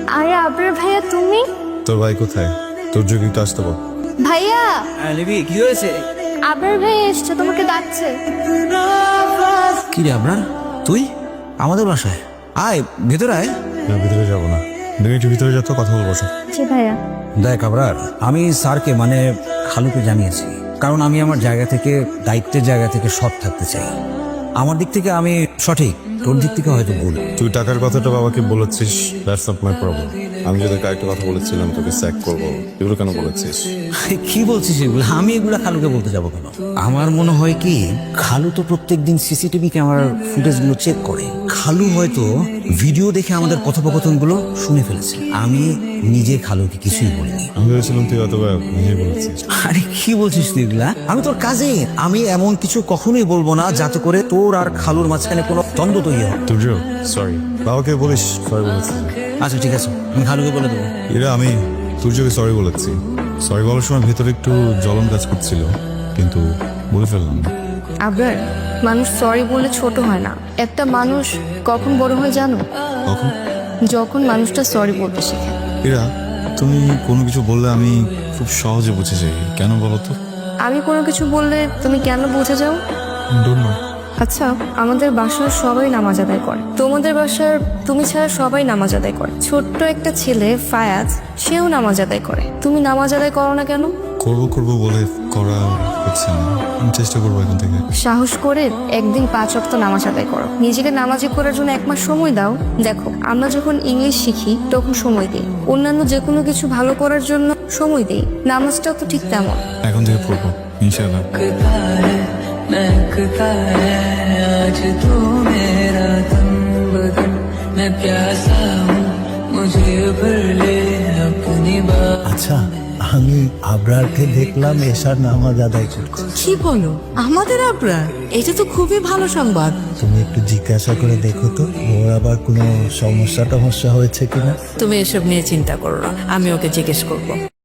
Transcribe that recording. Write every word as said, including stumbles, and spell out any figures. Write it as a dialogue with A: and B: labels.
A: আরে আবরার ভাইয়া তুমি?
B: তোর ভাই কোথায়? তোর যোগী তো আসতে বল।
A: ভাইয়া
C: লিবি কি হয়েছে?
A: আবরার ভাইয়া এসছে, তোমাকে ডাকছে।
C: কি রে আপনার তুই আমাদের বাসায় আয়, ভেতরে আয়।
B: না, ভিতরে যাবো না, তুমি একটু ভিতরে যা তো, কথা বলবো।
A: জি ভাইয়া।
C: দেখ আবরার, আমি স্যারকে মানে খালুকে জানিয়েছি, কারণ আমি আমার জায়গা থেকে, দায়িত্বের জায়গা থেকে সৎ থাকতে চাই। আমার দিক থেকে আমি সঠিক, তোর দিক থেকে হয়তো ভুল।
B: তুই টাকার কথাটা বাবাকে বলেছিস, দ্যাটস নট মাই প্রবলেম। আমি যদি কয়েকটা কথা বলেছিলাম তোকে স্যাক করবো, এগুলো কেন বলেছিস?
C: কি বলছিস এগুলো? আমি এগুলা খালুকে বলতে যাবো কেন? আমার মনে হয় কি, খালু তো প্রত্যেকদিন সিসিটিভি ক্যামেরার ফুটেজ গুলো চেক করে। খালু হয়তো ভিডিও দেখে আমাদের কথোপকথন গুলো শুনে ফেলেছে। আমি নিজে খালুকে কিছুই বলিনি।
B: আমি ভেবেছিলাম তুই অথবা নিজে বলেছিস।
C: আরে কি বলছিস তুই এগুলা? আমি তোর কাজে, আমি এমন কিছু কখনোই বলবো না যাতে করে তোর আর খালুর মাঝখানে কোনো দ্বন্দ্ব তৈরি হয়।
B: তুর্য, সরি। বাবাকে বলিস সরি বলেছি।
C: আচ্ছা ঠিক আছে, আমি খালুকে বলে দেবো।
B: এরা আমি তুর্যকে সরি বলেছি। সরি বলার সময় ভেতরে একটু জ্বলন কাজ করছিল, কিন্তু বলে ফেললাম।
A: আবরার, মানুষ সরি বলে ছোট হয় না। একটা মানুষ কখন বড় হয় জানো?
B: কখন?
A: যখন মানুষটা সরি বলতে শেখে।
B: এরা তুমি কোনো কিছু বললে আমি খুব সহজে বুঝে যাই, কেন বলো তো?
A: আমি কোনো কিছু বললে তুমি কেন বুঝে যাও?
B: Don't know.
A: আচ্ছা, আমাদের বাসার সবাই নামাজ আদায় করে, তোমাদের বাসার তুমি ছাড়া সবাই নামাজ আদায় করে। ছোট্ট একটা ছেলে ফায়াজ, সেও নামাজ আদায় করে, তুমি নামাজ আদায় করো না কেন?
B: করবো করবো বলে করা হচ্ছে না। আমি চেষ্টা করবো এখন থেকে।
A: সাহস করে একদিন পাঁচ ওয়াক্ত নামাজ আদায় করো, নিজেকে নামাজি করার জন্য এক মাস সময় দাও। দেখো, আমরা যখন ইংলিশ শিখি তখন সময় দিই, অন্যান্য যে কোনো কিছু ভালো করার জন্য সময় দিই। নামাজটাও তো ঠিক তেমন।
B: এখন থেকে পড়বো ইনশাআল্লাহ।
D: महकता है आज तू मेरा तन बदन, मैं प्यासा हूँ मुझे भर ले अपनी बात।
E: আচ্ছা, আমি আবরারকে দেখলাম এশার নামাজ আদায় করছে।
F: কি বলো? আমাদের আবরার? এটা তো খুবই ভালো সংবাদ।
E: তুমি একটু জিজ্ঞাসা করে দেখো তো, ওর আবার কোনো সমস্যা টমস্যা হয়েছে কিনা।
F: তুমি এসব নিয়ে চিন্তা করো না, আমি ওকে জিজ্ঞেস করবো।